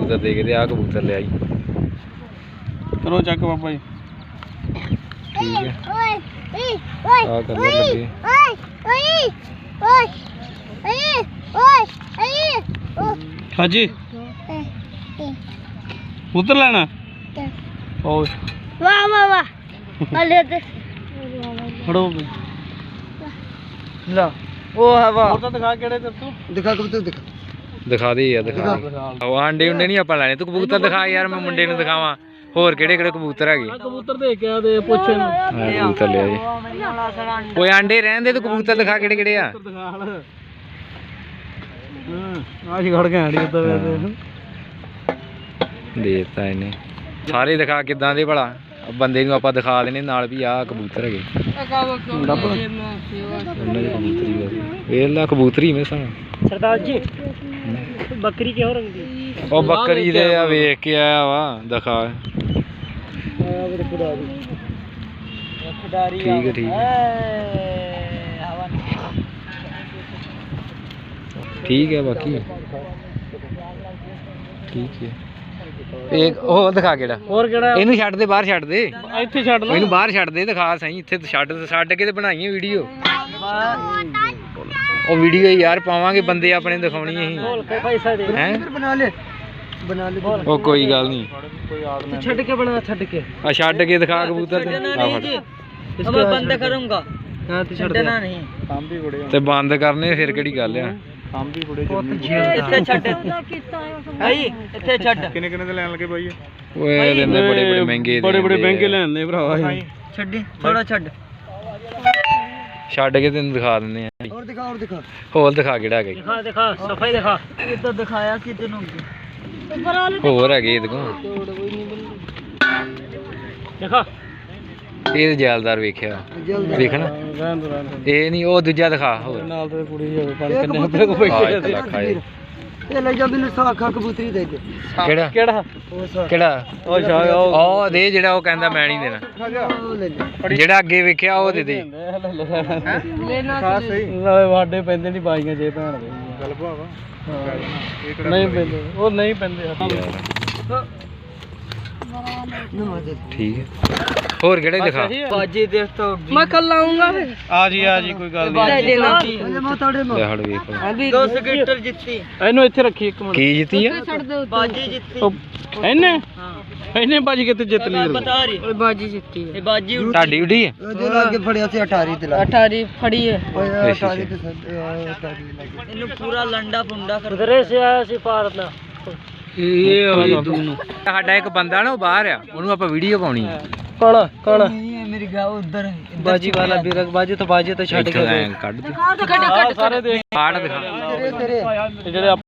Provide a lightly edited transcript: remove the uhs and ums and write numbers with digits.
कबूतर दे के आ कबूतर ले आई करो चेक बाबा जी ठीक है आ कलर लगे हाँ जी कबूतर लेना ओए वाह वाह वाह ले दे फड़ो ला ओ है वाह और तो दिखा केड़े ते तू दिखा कबूतर दिखा दे यार दिखा अंडे उंडे नहीं आप लेने तू कबूतर दिखा यार मैं मुंडे नूं दिखावां होर केड़े केड़े कबूतर है कबूतर देख के दे पुੱਛ ਇਹਨੂੰ कबूतर ले आए ओए अंडे रहन दे तू कबूतर दिखा केड़े केड़े आ आज खड़ के आड़ी तो देता इन्हें सारे दिखा किदां दे भला बंदे नूं आपां दिखा देने नाल भी आ कबूतर है कबूतरी में सा सरदार जी बकरी के हो रंग दी ओ बकरी दे आ वेख के आया वा दिखा ठीक है ठीक है बाकी ठीक है एक ओ दिखा केड़ा और केड़ा इनू छੱਡ ਦੇ ਬਾਹਰ ਛੱਡ ਦੇ ਇੱਥੇ ਛੱਡ ਲਓ ਇਹਨੂੰ ਬਾਹਰ ਛੱਡ ਦੇ ਦਿਖਾ ਸਹੀ ਇੱਥੇ ਛੱਡ ਕੇ ਤੇ ਬਣਾਈਏ ਵੀਡੀਓ ਉਹ ਵੀਡੀਓ ਯਾਰ ਪਾਵਾਂਗੇ ਬੰਦੇ ਆਪਣੇ ਦਿਖਾਉਣੀ ਅਸੀਂ बोल के पैसा दे हैं बना ले ਉਹ ਕੋਈ ਗੱਲ ਨਹੀਂ छड़ के बना छड़ के ਆ ਛੱਡ ਕੇ ਦਿਖਾ ਕਬੂਤਰ ਤੇ ਆ ਫੜ इसको बंद करूंगा हां तो छड़ना नहीं काम भी बड़े ਤੇ ਬੰਦ ਕਰਨੇ ਫਿਰ ਕਿਹੜੀ ਗੱਲ ਆ काम भी बड़े ਇੱਥੇ ਛੱਡ ਆਈ ਇੱਥੇ ਛੱਡ ਕਿੰਨੇ ਕਿੰਨੇ ਦੇ ਲੈਣ ਲੱਗੇ ਬਾਈ ਓਏ ਦਿੰਦੇ ਬੜੇ ਬੜੇ ਮਹਿੰਗੇ ਬੜੇ ਬੜੇ ਮਹਿੰਗੇ ਲੈਣੇ ਭਰਾਵਾ ਛੱਡੀ ਥੋੜਾ ਛੱਡ ਛੱਡ ਕੇ ਤੈਨੂੰ ਦਿਖਾ ਦਿੰਦੇ ਆ और दिखा ਹੋਰ ਦਿਖਾ ਕਿਹੜਾ ਹੈਗਾ दिखा सफाई दिखा ये तो दिखाया कि तैਨੂੰ ਹੋਰ ਹੈਗੇ ਇਹਦੇ ਕੋਲ दिखा ਇਹ ਜੈਲਦਾਰ ਵੇਖਿਆ ਵੇਖਣਾ ਇਹ ਨਹੀਂ ਉਹ ਦੂਜਾ ਦਿਖਾ ਹੋਰ ਨਾਲ ਤੇ ਕੁੜੀ ਹੋਵੇ ਪਰ ਕਿੰਨੇ ਆਪਣੇ ਕੋ ਬੈਠੇ ਲੱਖ ਆਏ ਇਹ ਲੈ ਜਾ ਮੈਨੂੰ ਸਾਖਾ ਕਬੂਤਰੀ ਦੇ ਦੇ ਕਿਹੜਾ ਕਿਹੜਾ ਕਿਹੜਾ ਉਹ ਸ਼ਾਇਦ ਉਹ ਦੇ ਜਿਹੜਾ ਉਹ ਕਹਿੰਦਾ ਮੈਂ ਨਹੀਂ ਦੇਣਾ ਜਿਹੜਾ ਅੱਗੇ ਵੇਖਿਆ ਉਹ ਦੇ ਦੇ ਲੈਣਾ ਨਾਲੇ ਵਾਡੇ ਪੈਂਦੇ ਨਹੀਂ ਬਾਈਆਂ ਜੇ ਭੈਣ ਦੇ ਗੱਲ ਭਾਵਾ ਨਹੀਂ ਪੈਂਦੇ ਉਹ ਨਹੀਂ ਪੈਂਦੇ ठीक है और केड़े दिखा बाजी देख तो मैं कल आऊंगा फिर आ जी कोई गल नहीं ले हट ਵੇਖ अभी 2 सेकंड जितती ਇਹਨੂੰ ਇੱਥੇ ਰੱਖੀ ਇੱਕ ਮਿੰਟ ਕੀ ਜਿੱਤੀ ਆ बाजी जितती ਇਹਨੇ ਇਹਨੇ ਬਾਜੀ ਕਿਤੇ ਜਿੱਤ ਲਈ ਬਤਾ ਰਹੀ ਬਾਜੀ ਜਿੱਤੀ ਹੈ ਇਹ ਬਾਜੀ ਤੁਹਾਡੀ ਉਡੀ ਹੈ ਉਹਦੇ ਲਾਗੇ ਫੜਿਆ ਸੀ 18 ਤੇ 18 ਫੜੀ ਹੈ 18 ਤੇ ਇਹਨੂੰ ਪੂਰਾ ਲੰਡਾ ਪੁੰਡਾ ਕਰ ਉਧਰੇ ਸੇ ਆਇਆ ਸੀ ਭਾਰਤ ਇਹ ਦੋਨੋਂ ਸਾਡਾ ਇੱਕ ਬੰਦਾ ਨਾ ਉਹ ਬਾਹਰ ਆ ਉਹਨੂੰ ਆਪਾਂ ਵੀਡੀਓ ਪਾਉਣੀ ਹੈ ਕੌਣ ਮੇਰੀ ਗਾ ਉਧਰ ਬਾਜੀ ਵਾਲਾ ਬਿਰਕ ਬਾਜੀ ਤਾਂ ਛੱਡ ਕੇ ਕੱਢ ਦੇ ਸਾਰੇ ਦੇਖ ਕਾੜ ਦਿਖਾ ਜਿਹੜੇ